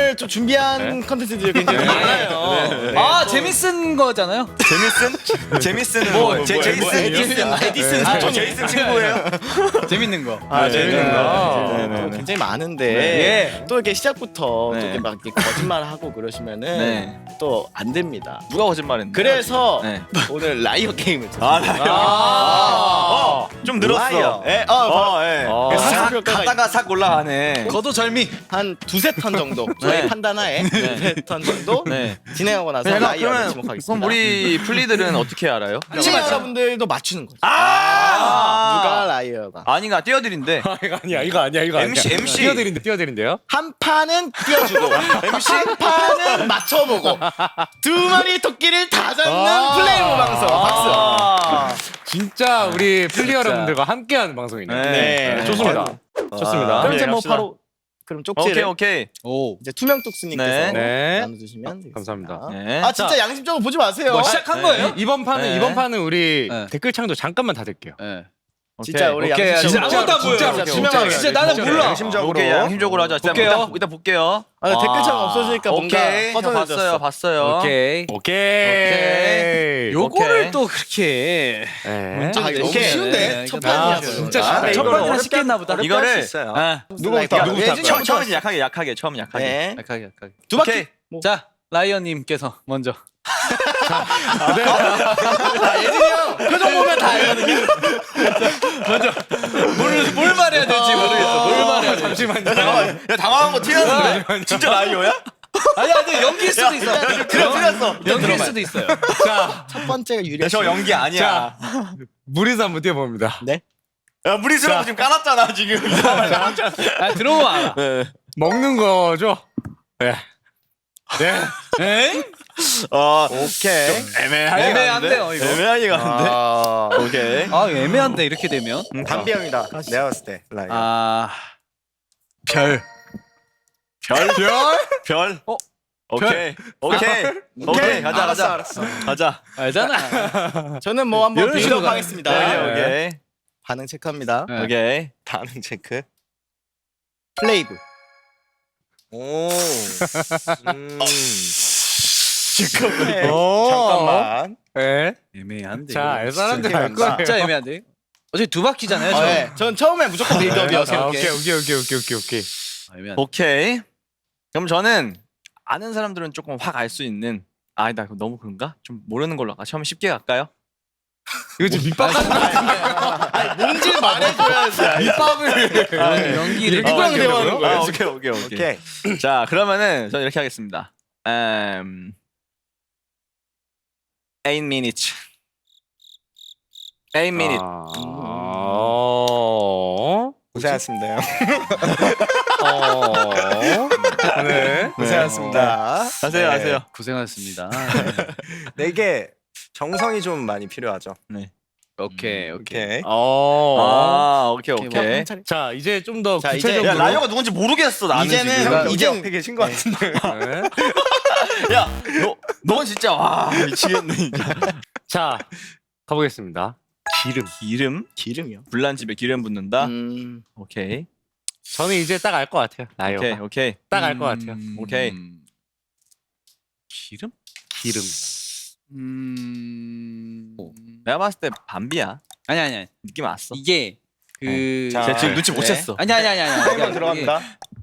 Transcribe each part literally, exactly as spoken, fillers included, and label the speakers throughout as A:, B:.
A: 오늘 좀 준비한 컨텐츠들이 굉장히 많아요.
B: 네.
A: 네.
B: 아 재밌은 거잖아요.
C: 제미슨? 제미슨은
B: 뭐,
C: 뭐, 제,
A: 뭐,
C: 제이슨?
A: 에디슨, 아, 에디슨
C: 아, 저
A: 사촌이.
C: 제이슨 친구예요?
B: 재밌는 거.
A: 아,
C: 네,
A: 재밌는
C: 네,
A: 거.
C: 네, 네,
A: 또
C: 네.
A: 굉장히 많은데
B: 네.
A: 또 이렇게 시작부터
C: 네.
A: 또 이렇게 막 이렇게 거짓말하고 그러시면은
C: 네.
A: 또 안 됩니다.
C: 누가 거짓말했나?
A: 그래서
C: 네.
A: 오늘 라이어 게임을
C: 아,
A: 쳤습니다.
C: 나 어, 좀 늘었어.
A: 라이어.
C: 예,
A: 어,
C: 어, 예.
A: 어.
C: 그래서 싹
A: 삭
C: 갔다가 싹 올라가네.
B: 거도절미.
A: 한 두세 턴 정도 저희
C: 네.
A: 판단하에 두세 턴 정도
C: 네.
A: 진행하고 나서
C: 잠깐,
A: 라이어를
C: 그러면
A: 지목하겠습니다.
C: 그럼 우리 플리들은 어떻게 알아요?
A: 시청자 여러분들도 맞추는 거죠.
C: 아!
A: 누가 라이어가
C: 아니가 띄어드린데.
D: 이거 아니야 이거 아니야 이거 아니야.
C: 엠씨, 엠씨.
D: 띄어드린데 띄어드린데요?
A: 한 판은 띄워주고 엠씨 한 판은 맞춰보고 두 마리 토끼를 다 잡는
D: 아.
A: 플레이오 방송. 박수.
C: 아.
D: 진짜 우리 플리 여러분들과 함께하는 방송이네요.
C: 네.
A: 네.
D: 좋습니다. 좋습니다.
A: 그럼 이제 뭐
C: 갑시다.
A: 바로 그럼
C: 오케이,
A: 쪽지를
C: 오케이.
B: 오.
A: 이제 투명 뚝스님께서
C: 네.
D: 네.
A: 나눠주시면 되겠습니다.
D: 감사합니다.
C: 네.
A: 아 진짜 양심적으로 보지 마세요.
B: 뭐 시작한
C: 네.
B: 거예요?
D: 이번 판은
C: 네.
D: 이번 판은 우리
B: 네.
D: 댓글창도 잠깐만 닫을게요.
B: 네.
A: 진짜 우리
B: 오케이.
A: 양심적으로
B: 진짜 아무것도 안 보여요.
A: 진짜
B: 진짜,
A: 투명하게
B: 진짜 나는
A: 진짜로.
B: 몰라.
A: 양심적으로.
C: 오케이, 양심적으로 하자. 일단
B: 볼게요.
C: 이따, 이따 볼게요.
A: 아, 댓글창 없어지니까 뭔가
C: 오케이. 저
A: 허전해졌어.
C: 봤어요, 봤어요.
B: 오케이.
D: 오케이.
B: 요거를
C: 오케이.
B: 또 그렇게
D: 네.
A: 아, 이거 너무
B: 오케이.
A: 쉬운데?
B: 네,
A: 첫
B: 이거
A: 판이야.
D: 아, 진짜
A: 진짜.
D: 쉽다.
B: 첫
D: 이거를
B: 번째는
D: 어렵게
B: 쉽겠나 보다.
C: 이거를
B: 아,
D: 누구부터
A: 라이어.
D: 누구부터
A: 예준이
C: 처음,
A: 형
C: 처음에 약하게, 약하게, 처음 약하게.
A: 네.
B: 약하게 약하게.
A: 두 바퀴.
C: 오케이.
A: 뭐.
B: 자 라이언님께서 먼저.
A: 아, 예준이 형 표정 보면 다 알거든요.
B: 뭘, 뭘 말해야 될지 모르겠어. 뭘 말해야 될지.
D: 잠시만요.
C: 야, 당황한 거 티나는데? 진짜 라이어야?
B: 아니 아니 연기일 수도 있어.
C: 그래, 틀렸어.
B: 연기일 수도 있어요.
D: 자,
A: 첫 번째가 유리.
C: 야, 저 연기 아니야.
D: 자, 무리서 한번 뛰어봅니다.
A: 네.
C: 야, 무리수라고 지금 까놨잖아, 지금.
B: 아 들어오면 알아.
D: 먹는 거죠? 네. 네.
B: 에?
C: 어,
A: 오케이.
C: 애매하게
B: 애매한데요,
C: 가는데?
B: 이거?
C: 애매하게 가는데?
A: 아,
C: 오케이.
B: 아 애매한데 이렇게 되면.
A: 담비 형이다. 내가 봤을 때 라이어.
B: 아 별.
C: 별? 별? 별?
B: 어?
C: 오케이. 오케이. 오케이. 가자,
A: 알았어,
C: 가자.
A: 알았어.
C: 가자.
B: 알잖아.
A: 저는 뭐 한번
B: 이런 식으로
A: 빌드업 하겠습니다.
C: 오케이, 오케이.
A: 반응 체크합니다.
B: 네.
C: 오케이.
A: 반응 체크. 플레이브.
C: 오. 음.
A: 잠깐만.
D: 오.
A: 잠깐만.
D: 네.
B: 애매한데.
D: 자,
B: 이거.
D: 알 사람들
A: 진짜
D: 알 거예요.
B: 진짜 애매한데. 어차피 두 바퀴잖아요.
A: 아,
B: 저.
A: 네. 전 처음에 무조건 빌드업이어서.
D: 아, 오케이, 오케이, 오케이, 오케이, 오케이, 오케이.
B: 아, 애매한데.
C: 오케이. 그럼 저는 아는 사람들은 조금 확 알 수 있는 아, 아니다. 그럼 너무 그런가? 좀 모르는 걸로 할까? 처음에 쉽게 갈까요?
D: 이거 지금 밑밥하는 거
A: 아니, 뭔지 말해줘야지.
D: 밑밥을.
B: 아, 연기를
A: 누구랑
D: 아,
A: 대화하는
D: 오케이,
A: 거야?
C: 아, 오케이, 오케이, 오케이.
A: 오케이.
C: 자, 그러면은 저는 이렇게 하겠습니다. 음. eight minutes. eight minutes.
D: 어.
A: 고생하셨습니다. 형.
D: 어. 네.
A: 고생하셨습니다.
C: 하세요, 하세요.
B: 고생하셨습니다.
A: 네, 이게 정성이 좀 많이 필요하죠.
B: 오케이 오케이.
A: 오케이.
D: 어.
C: 아, 오케이,
B: 오케이,
C: 오케이.
D: 자, 이제 좀 더
A: 자, 이제-
D: 구체적으로.
C: 야, 라이어가 누군지 모르겠어, 나는
A: 이제는
C: 지금.
A: 형,
C: 야,
A: 이제
D: 이제-
A: 옆에 계신 것 같은데.
D: 네.
C: 야, 너, 넌 진짜 와 미치겠네 진짜.
D: 자, 가보겠습니다. 기름.
C: 기름?
A: 기름이요.
C: 불난 집에 기름 붓는다.
A: 음.
C: 오케이,
D: 저는 이제 딱 알 것 같아요. 라이어가.
C: 오케이, 오케이.
D: 딱 알 것 같아요.
B: 음,
C: 오케이.
B: 기름?
D: 기름.
B: 음.
C: 내가 봤을 때 반비야.
B: 아니 아니 아니.
C: 느낌 왔어.
B: 이게 그.
A: 자,
C: 제가 지금 눈치 못
A: 네.
C: 챘어.
B: 아니 아니 아니 아니.
A: 타이머
B: 이게
A: 들어갑니다.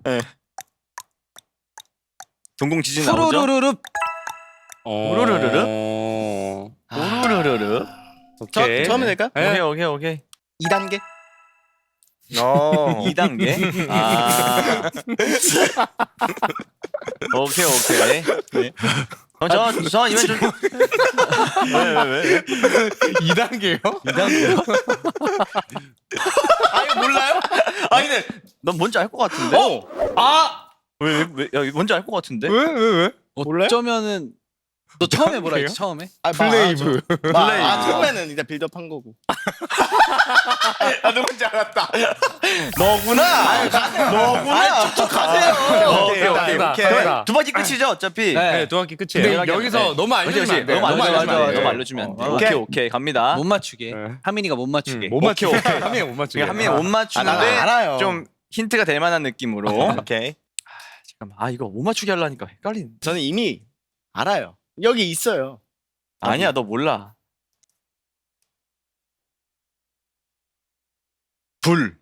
C: 동공 지진 나오죠?
B: 후루루루루.
C: 우르르르르?
D: 어.
C: 우르르르르.
A: 저,
D: 오케이.
A: 처음에 될까요?
D: 네.
C: 오케이, 오케이, 오케이.
A: 이 단계?
C: 이 단계. 아. 오케이, 오케이. 네. 그럼 저, 저 이번 좀. 왜, 왜, 왜?
D: 이 단계요?
C: 아니 몰라요? 아니 근데 넌 뭔지 알 것 같은데?
B: 아.
C: 왜, 왜, 왜? 야, 뭔지 알 것 같은데?
D: 왜, 왜, 왜?
A: 몰라요?
B: 어쩌면은 너 처음에 뭐라
D: 단계요?
B: 했지 처음에?
A: 아,
D: 플레이브.
A: 마, 아, 처음에는 이제 빌드업 한 거고.
C: 아 누군지 알았다. 너구나. 너구나. 쭉쭉 가세요.
A: 오케이, 오케이,
D: 됐다,
A: 오케이.
D: 됐다.
C: 두 바퀴 끝이죠, 어차피.
B: 네.
D: 네, 두 바퀴 끝이에요. 근데
C: 네.
D: 여기서
C: 네.
D: 너무
C: 그치,
D: 알려주면
C: 그치.
D: 안 돼.
C: 너무 알려주면 안 돼. 너무
D: 돼.
C: 알려주면 안 돼.
A: 어,
C: 오케이,
A: 오케이.
C: 오케이, 갑니다.
B: 못 맞추게.
D: 네.
B: 하민이가 못 맞추게.
D: 음, 못 맞추게.
C: 오케이, 오케이.
D: 한 명이 못 맞추게.
C: 한 명이 못
A: 아, 난
C: 맞추는데
A: 알아요.
C: 좀 힌트가 될 만한 느낌으로.
A: 오케이.
C: 잠깐만. 아 이거 못 맞추게 하려니까 헷갈리네.
A: 저는 이미 알아요. 여기 있어요.
C: 아니야 너 몰라.
A: 불.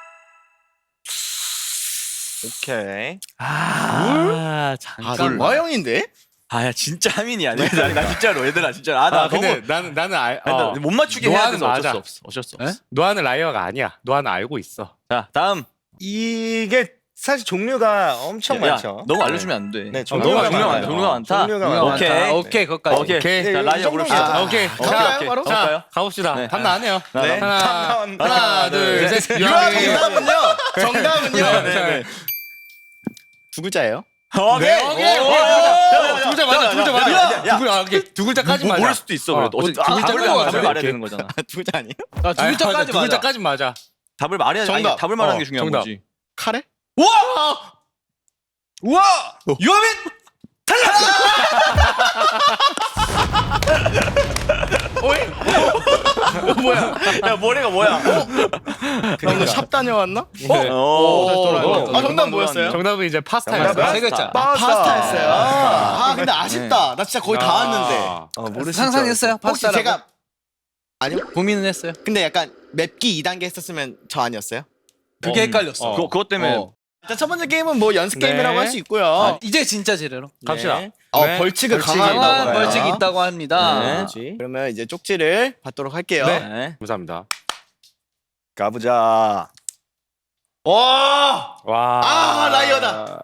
E: 오케이.
B: 아,
A: 아,
B: 잠깐.
A: 와형인데?
C: 아야 진짜 하민이 아니야. 나, 나 진짜로 얘들아 진짜. 아나
D: 아, 근데
C: 너무
D: 나는 나는 알.
C: 아니, 나
D: 어.
C: 못 맞추게 해야
D: 노아는
C: 돼서 어쩔
D: 맞아.
C: 수 없어. 어쩔 수
B: 에?
C: 없어.
D: 노아는 라이어가 아니야. 노아는 알고 있어.
C: 자 다음.
E: 이게 사실 종류가 엄청
C: 야,
E: 많죠.
C: 너무 알려주면 안 돼.
E: 네,
C: 어,
E: 종류가
C: 종류가
E: 많아요.
C: 많다. 종류가 많다.
E: 종류가
B: 종류가
E: 많아요.
C: 오케이.
B: 많다. 오케이, 거기까지.
C: 오케이.
D: 오케이.
E: 네,
C: 자
E: 이
C: 라이어
E: 정도면
C: 부릅시다.
E: 아,
D: 오케이.
C: 오케이,
D: 자,
C: 오케이.
A: 바로?
C: 자, 볼까요?
D: 가봅시다.
C: 네.
D: 답 나왔네요.
E: 네.
C: 하나,
D: 하나,
E: 하나,
D: 하나, 둘,
E: 둘,
D: 셋.
A: 유아
D: 유아민.
A: 정답은요? 정답은요?
D: 네, 네.
A: 두 글자예요.
C: 오케이.
D: 네, 오케이.
C: 오,
D: 오케이.
C: 야,
D: 두 글자 맞아. 두 글자
C: 야,
D: 맞아.
C: 야, 야.
D: 두 글자, 아, 오케이. 두 글자까지
C: 뭐,
D: 맞아.
C: 모를 수도 있어. 그래도.
D: 어,
C: 어쨌든
D: 두
C: 아,
D: 글자까지
C: 답을,
D: 맞아.
C: 답을 말해야
D: 오케이.
C: 되는 거잖아.
A: 두 글자 아니에요?
B: 아, 두
D: 아니,
B: 글자까지
D: 맞아. 두
B: 맞아.
D: 글자까지 맞아.
C: 답을 말해야 돼.
A: 정답.
C: 아니, 답을 말하는
D: 어,
C: 게 중요한
D: 정답.
C: 거지.
A: 카레?
C: 우와! 우와! 유아민 탈락! 뭐야? 야 머리가 뭐야?
A: 그럼 샵 다녀왔나?
D: 네.
C: 오,
A: 아, 정답 뭐였어요?
D: 정답은 이제 파스타였어요.
E: 정답은
B: 세 글자.
A: 아, 파스타였어요. 아, 근데 아쉽다. 나 진짜 거의 다 왔는데.
D: 아.
E: 어, 모르시죠?
B: 상상했어요?
A: 혹시
B: 파스타라고?
A: 제가 아니요?
B: 고민은 했어요.
A: 근데 약간 맵기 이 단계 했었으면 저 아니었어요?
B: 그게
D: 어,
B: 헷갈렸어.
D: 어.
C: 그거 그것 때문에
B: 어.
A: 자, 첫 번째 게임은 뭐 연습
D: 네.
A: 게임이라고 할 수 있고요.
B: 아, 이제 진짜 제대로.
D: 갑시다.
A: 네. 어,
D: 네.
A: 벌칙을
D: 벌칙이
A: 강화한다고
B: 강한
A: 해요.
B: 벌칙이 있다고 합니다.
C: 네.
A: 그렇지. 그러면 이제 쪽지를 받도록 할게요.
D: 네.
C: 네.
D: 감사합니다.
E: 가보자.
A: 와!
D: 와.
A: 아, 라이어다.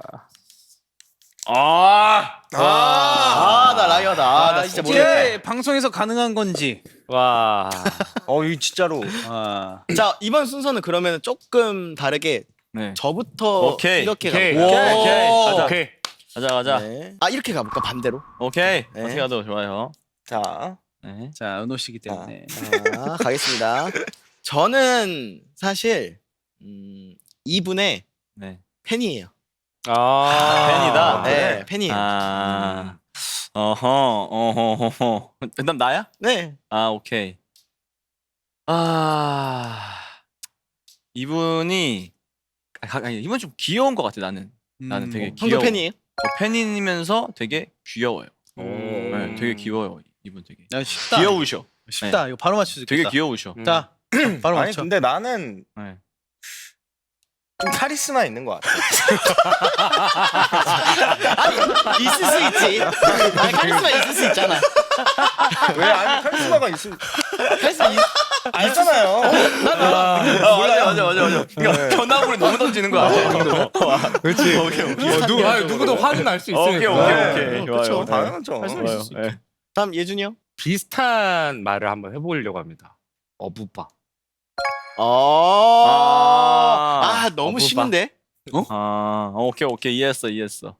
C: 아,
A: 아, 아, 나 라이어다. 아, 나 진짜 모르겠다.
B: 이게 방송에서 가능한 건지.
D: 와.
E: 어, 이 진짜로.
B: 아.
A: 자, 이번 순서는 그러면 조금 다르게
C: 네.
A: 저부터
C: 오케이.
A: 이렇게
D: 오케이.
A: 가볼까요?
C: 오케이. 가자.
D: 오케이.
C: 가자 가자.
A: 네. 아, 이렇게 가볼까? 반대로.
C: 오케이.
A: 네.
C: 어떻게 가도 좋아요.
E: 자,
C: 네.
B: 자, 은호 씨기 때문에.
A: 자, 가겠습니다. 저는 사실 음, 이분의
C: 네.
A: 팬이에요.
D: 아.
C: 팬이다.
A: 네, 팬이에요.
C: 아. 어허. 어허. 어허. 그다음 나야?
A: 네.
C: 아, 오케이. 아. 이분이 아, 아니, 이분 좀 귀여운 것 같아, 나는. 나는 되게
B: 음.
A: 형도
C: 귀여워.
A: 팬이에요?
C: 어, 팬이면서 되게 귀여워요.
D: 음.
C: 네, 되게 귀여워요. 이분 되게.
B: 야, 쉽다.
C: 귀여우셔.
B: 쉽다. 이거 바로 맞출 수 있겠다.
C: 되게 귀여우셔.
D: 음.
B: 자, 바로
E: 아니
B: 맞춰.
E: 근데 나는
C: 네.
E: 좀 카리스마 있는 것 같아.
A: 있을 수 있지. 아니, 카리스마 있을 수 있잖아.
E: 왜? 아니 카리스마가 있을
A: 카리스마 있...
E: 알잖아요.
C: 아, 맞아, 맞아, 맞아, 맞아. 그러니까 변화물이 너무 던지는 거야.
D: 그렇지.
C: 오케이, 오케이.
D: 어, 누, 아, 누구도 화는 날 수 있으니까.
C: 오케이, 오케이,
E: 네.
C: 오케이.
A: 그쵸.
C: 좋아요.
E: 당연하죠.
A: 카리스마 있을 수 있지.
C: 네.
A: 다음 예준이 형.
D: 비슷한 말을 한번 해보려고 합니다. 어부바.
A: 어.
C: 아.
A: 아, 너무
D: 어부바.
A: 쉬운데?
C: 아, 오케이, 오케이. 이해했어, 이해했어.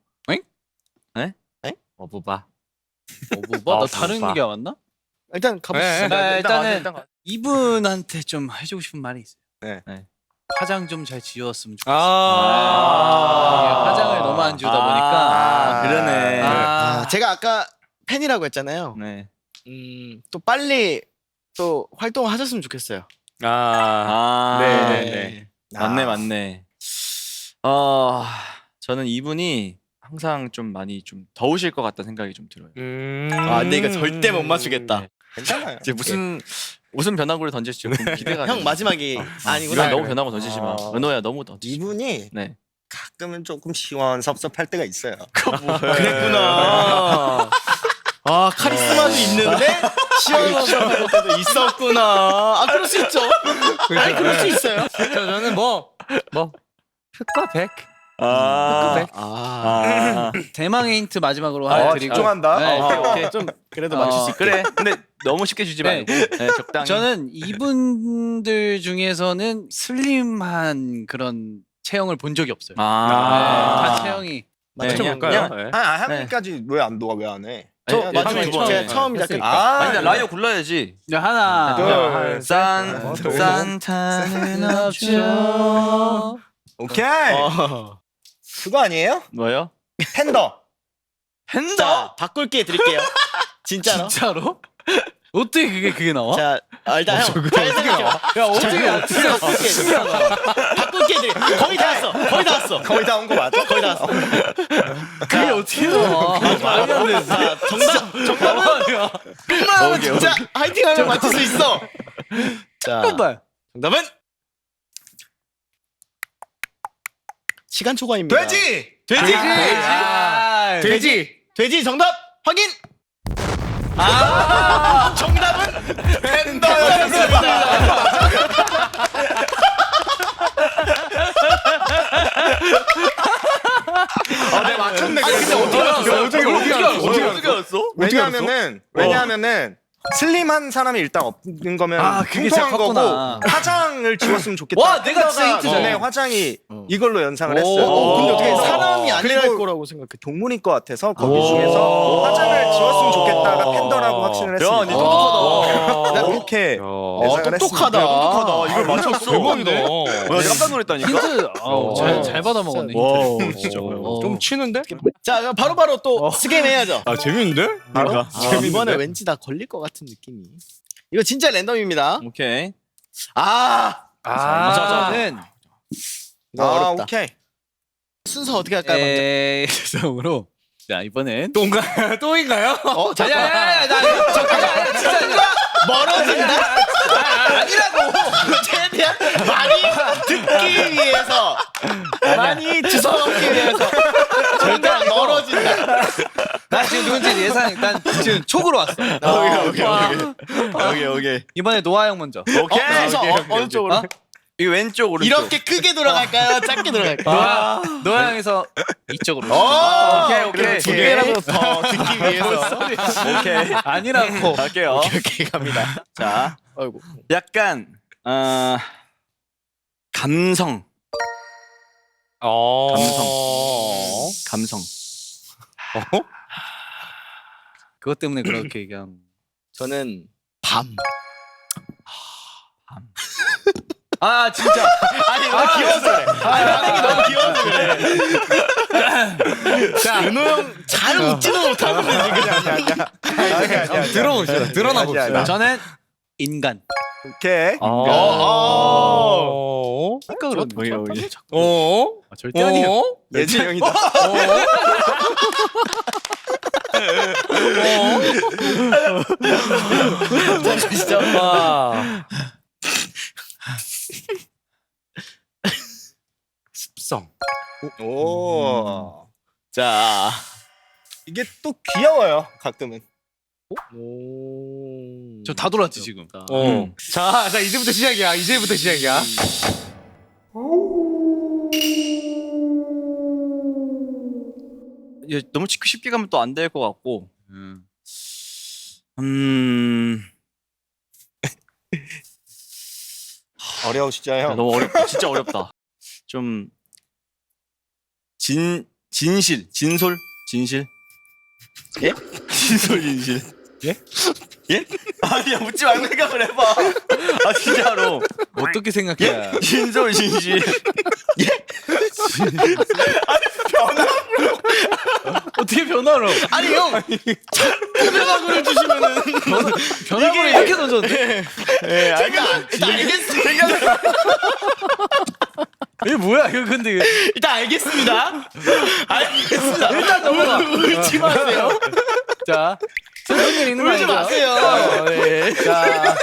D: 어부바.
B: 어, 뭐, 뭐? 나
D: 아,
B: 다른
D: 오빠.
B: 얘기 왔나?
A: 일단 가보시죠.
D: 네.
B: 네, 일단은
C: 일단 가.
B: 이분한테 좀 해주고 싶은 말이 있어요.
E: 네.
C: 네.
B: 화장 좀 잘 지웠으면 좋겠어요.
D: 아.
B: 이게 화장을 너무 안 지우다 보니까.
C: 아, 그러네.
B: 아.
A: 아, 제가 아까 팬이라고 했잖아요.
C: 네.
A: 음, 또 빨리 또 활동을 하셨으면 좋겠어요.
D: 아.
C: 아,
D: 네,
C: 네,
D: 네,
C: 네. 맞네, 맞네. 어, 저는 이분이 항상 좀 많이 좀 더우실 것 같다 생각이 좀 들어요.
D: 음.
A: 아, 근데 이거 절대 못 맞추겠다.
C: 네.
E: 괜찮아요.
C: 이제 무슨 무슨 변화구를 던질지 조금 기대가
A: 형
C: 돼요.
A: 마지막이
C: 이건
A: 아니구나.
C: 너무 변화구 던지지 마.
E: 아.
C: 은호야 너무 던지지 마.
E: 이분이
C: 네.
E: 가끔은 조금 시원섭섭할 때가 있어요.
A: 그랬구나. 아, 카리스마도 있는데 시원한 것도 있었구나. 아, 그럴 수 있죠. 아니, 그럴 수 있어요.
D: 저, 저는 뭐, 뭐, 흑과 백.
C: 아.
A: 아,
C: 아.
B: 대망의 힌트 마지막으로
E: 아,
B: 하나 드리고.
E: 집중한다.
B: 네.
C: 오케이, 오케이.
A: 좀 그래도
B: 어,
A: 맞출 수 있게.
C: 그래. 근데 너무 쉽게 주지
B: 네.
C: 말고 네, 적당히.
B: 저는 이분들 중에서는 슬림한 그런 체형을 본 적이 없어요. 네,
C: 아.
B: 다 체형이.
C: 네,
A: 맞춰볼까요?
C: 그냥-
D: 네.
E: 아, 아 하민까지 왜 안 도와? 왜 안 해?
A: 저
C: 아니,
A: 맞죠?
C: 하민 두 번.
A: 제가
C: 네.
A: 처음 시작했니까.
E: 아,
C: 아니 나 라이어 골라야지.
B: 네, 하나,
E: 둘,
C: 산
E: 셋.
C: 산타는 없죠.
E: 오케이.
A: 어.
E: 그거 아니에요?
C: 뭐요?
E: 팬더.
C: 팬더?
A: 자, 바꿀게 드릴게요. 진짜로.
B: 진짜로? 어떻게 그게 그게 나와?
A: 자, 아, 일단 형, 잘 생각해봐.
B: 야 어떻게 어떻게
A: 바꿀게. 바꿀게. 다섯 개 드려. 거의 다 왔어. 거의 다 왔어.
E: 거의 다 온 거 맞아?
A: 거의 다 왔어.
B: 그게 어떻게 나와? 말이 안 돼.
A: 자, 정답. 정답은 끝나면 진짜 화이팅하면 맞출 수 있어. 자,
B: 잠깐만.
A: 정답은 시간 초과입니다.
E: 돼지.
A: 돼지.
B: 아,
A: 돼지. 돼지 정답 확인. 아, 정답은 팬더였습니다.
E: 아, 내가 맞췄네.
A: 아니 근데 어떻게 알았어?
D: 어떻게 어떻게 알았어? 어떻게
A: 어떻게 알았어?
E: 왜냐하면은 왜냐하면은 슬림한 사람이 일단 없는 거면
B: 아, 그게
E: 통통한
B: 제일
E: 거고
B: 컸구나.
E: 화장을 지웠으면 좋겠다.
B: 와, 내가 진짜
E: 팬더가
B: 힌트잖아.
E: 전에 화장이
A: 어.
E: 이걸로 연상을
B: 오.
E: 했어요.
A: 어, 근데 어떻게
E: 어.
A: 사람이 아니랄
E: 그리고
A: 거라고 생각해?
E: 동물일 것 같아서 거기
B: 오.
E: 중에서 화장을 지웠으면 좋겠다가 팬더라고 확신을 했습니다.
C: 야, 니 똑똑하다.
E: 나 그렇게
A: 어,
E: 예상을
A: 똑똑하다.
E: 했습니다.
C: 똑똑하다. 이걸 맞췄어.
D: 대박이다.
C: 나 깜짝 놀랐다니까.
B: 힌트
D: 어.
B: 잘, 잘 받아 먹었네.
A: 와,
B: 진짜.
D: 좀 치는데?
A: 자, 그럼 바로바로 또 스게임 해야죠.
D: 아 재밌는데?
A: 바로?
D: 아,
A: 아, 이번에 왠지 다 걸릴 것 같은 느낌이. 이거 진짜 랜덤입니다.
C: 오케이.
A: 아,
D: 아,
B: 저는
A: 이거
E: 아,
A: 어렵다.
E: 오케이.
A: 순서 어떻게 할까요? 먼저?
B: 에이, 죄송으로. 자, 이번엔
D: 또인가요? 또인가요?
A: 어,
B: 아니야,
A: 잠깐.
B: 아니야, 아니야, 나 아니야. 잠깐, 아니야, 진짜 아니야.
A: 멀어진다? 아니라고. 최대한 많이 듣기 위해서, 많이 주워먹기 위해서 절대 멀어진다.
B: 나 지금 누군지 예상, 난 지금 촉으로 왔어.
A: 오케이, 오케이, 오케이. 오케이, 오케이.
B: 이번에 노아 형 먼저.
C: 오케이.
A: 어, 순서
C: 오케이,
A: 어,
C: 오케이,
A: 어느
C: 오케이.
A: 쪽으로?
B: 어?
C: 이거 왼쪽 오른쪽.
A: 이렇게 크게 돌아갈까요? 작게 돌아갈까요?
B: 노아, 노아 형에서 이쪽으로.
A: 오,
C: 오케이, 오케이.
A: 두 개라도 더 듣기 위해서.
C: 오케이.
B: 아니라고.
C: 갈게요.
A: 오케이, 오케이, 갑니다.
C: 자,
A: 아이고.
C: 약간 어 감성,
D: 어.
C: 감성.
B: 그것 때문에 그렇게 얘기한.
A: 저는 밤.
B: 아, 진짜.
A: 아니, 너무 귀여워서 그래. 아니, 반응이 너무 귀여워서 그래.
B: 자,
A: 은호 형 잘 웃지도 못하고 지금.
E: 아니야, 아니야, 아니야. 아니야, 아니야.
B: 들어봅시다. 드러나
E: 아니야,
B: 봅시다.
E: 아니야.
B: 저는 인간.
E: 오케이.
A: 어,
D: 어.
B: 아까 그런
C: 여기, 여기.
D: 어?
B: 아, 절대 아니에요.
D: 어?
E: 예지 형이다.
A: 진짜.
D: 와. 습성.
E: 오.
A: 자.
E: 이게 또 귀여워요. 가끔은.
A: 오.
B: 저 다 돌았지 지금.
D: 어. 자, 자 이제부터 시작이야. 이제부터 시작이야.
C: 이거 너무 쉽게 가면 또 안 될 것 같고.
B: 음.
C: 음.
E: 어려우시죠,
C: 야,
E: 형?
C: 너무 어렵다. 진짜 어렵다. 좀 진 진실, 진솔, 진실. 예? 진솔, 진실. 예? 예? 아니야, 묻지 말고 생각을 해봐. 아 진짜로.
B: 어떻게 생각해?
C: 진솔, 진실.
B: 어떻게 변화로?
A: 아니 형. 자꾸 변화구를 주시면은
B: 변화를 이렇게 던졌는데?
A: 예, 제가 일단 알겠습니다.
B: 이게 뭐야? 이거 근데 이거-
A: 일단 알겠습니다. 알겠습니다. 일단 넘어가. 울지 마세요.
B: 자, 슬픈 일 있는 거
A: 울지
B: 아니죠?
A: 마세요. 예.
B: 자,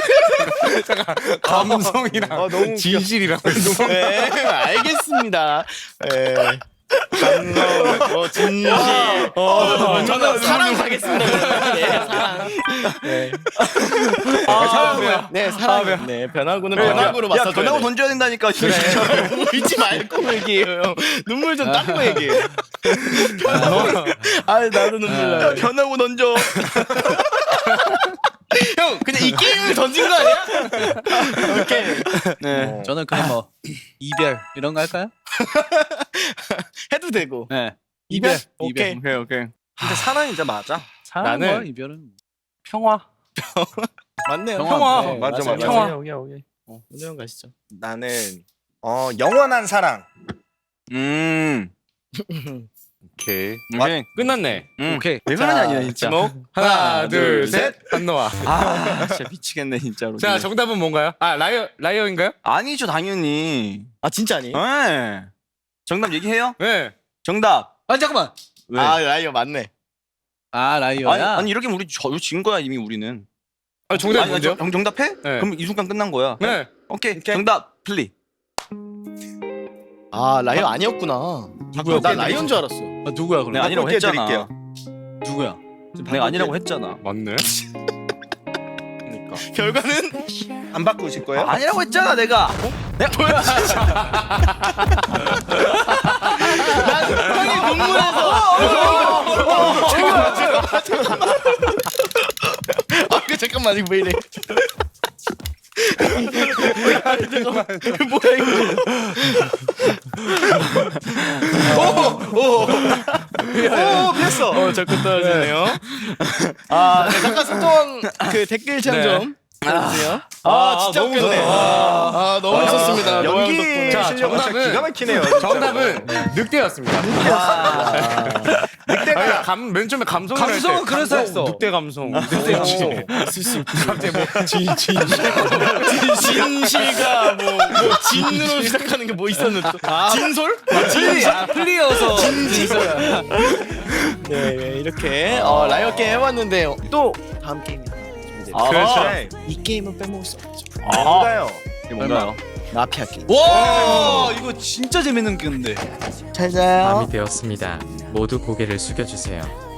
D: 감성이랑
E: 어, 너무 웃겨.
D: 진실이랑 했어.
A: 네, 알겠습니다. 예. 감성, 어, 진실. 어, 저는 사랑 가겠습니다. 네, 사랑. 네. 아, 사랑이요. 네, 사랑. 네, 변화구는 변화구로
C: 야,
A: 맞서줘야
C: 변하고
A: 돼.
C: 던져야 된다니까.
A: 그래. 울지 말고 얘기해요. 형. 눈물 좀 닦고 얘기해. 아, 나도 눈물 나.
C: 변하고 던져.
A: 형, 그냥 이 게임을 던진 거 아니야? 오케이.
C: 네.
B: 저는 그냥 뭐 이별 이런 거 할까요?
A: 해도 되고.
B: 네.
A: 이별?
B: 이별.
A: 오케이.
C: 오케이, 오케이.
E: 근데 사랑이 이제 맞아.
B: 사랑과
D: 나는-
B: 이별은
D: 평화.
A: 맞네요.
B: 평화.
A: 네,
E: 맞아,
A: 맞아요.
E: 맞아.
D: 평화.
A: 오케이, 오케이. 어, 오늘 형 가시죠.
E: 나는 어 영원한 사랑.
C: 음.
D: 오케이.
C: 오케이.
D: 끝났네.
C: 응.
B: 오케이.
C: 왜 그러냐 아니야 진짜.
D: 지목 하나, 둘, 셋. 한노아.
C: 아 진짜 미치겠네 진짜로.
D: 자, 정답은 뭔가요? 아, 라이어 라이어인가요?
C: 아니죠 당연히.
A: 아 진짜 아니?
C: 네. 정답 얘기해요?
D: 네.
C: 정답.
B: 아 잠깐만.
C: 왜?
A: 아 라이어 맞네.
B: 아
C: 아니,
B: 라이어야.
C: 아니 이렇게 우리 저, 진 거야 이미 우리는.
D: 아, 정답
C: 아니,
D: 뭔데요?
C: 정, 정답해?
D: 네.
C: 그럼 이 순간 끝난 거야.
D: 네.
C: 오케이.
E: 오케이.
C: 정답 플리.
A: 아 라이어 아니었구나.
B: 누구야?
A: 나 라이어인 줄 알았어.
B: 아, 누구야 그럼?
C: 내가 아니라고
E: 바꿀게
C: 했잖아.
E: 드릴게요.
B: 누구야?
C: 내가 아니라고 했잖아.
D: 맞네.
C: 그러니까.
A: 결과는
E: 안 바꾸실 거예요?
C: 아니라고 했잖아 내가. 내가
A: 형이 눈물에서. 아, 그 잠깐만 이거 왜 이래? 잠깐만 뭐야 이거? 오오 오 피했어. 어 자꾸 떨어지네요. 아 네, 잠깐 소통 그 댓글 참 좀. 해주세요. 아, 진짜
C: 너무
A: 웃겼네.
C: 좋다.
A: 아, 너무 좋습니다. 노영
E: 연기
A: 덕분에.
D: 자,
E: 실력 진짜
D: 정답은-
E: 기가 막히네요. 진짜로.
D: 정답은 늑대였습니다. 늑대가 감, 맨 처음에 감성을 할 때.
B: 감성은 그래서
D: 감성,
B: 했어.
D: 늑대 감성. 늑대 감성.
A: 있을 수 있지. 갑자기 뭐 진진 진실가 뭐, 뭐 진으로 시작하는 게 뭐 있었는데 또 진솔?
B: 플리 아 플리여서
A: 진솔. 네, 네 이렇게 어, 라이어 게임 해봤는데 또 다음 게임이 준비돼요.
C: 아,
E: 그렇죠.
A: 이 게임은 빼먹을 수 없죠.
E: 뭔가요?
C: 이게 뭔가요?
A: 마피아 게임.
B: 와 이거 진짜 재밌는 건데.
A: 잘 자요.
F: 밤이 되었습니다. 모두 고개를 숙여주세요.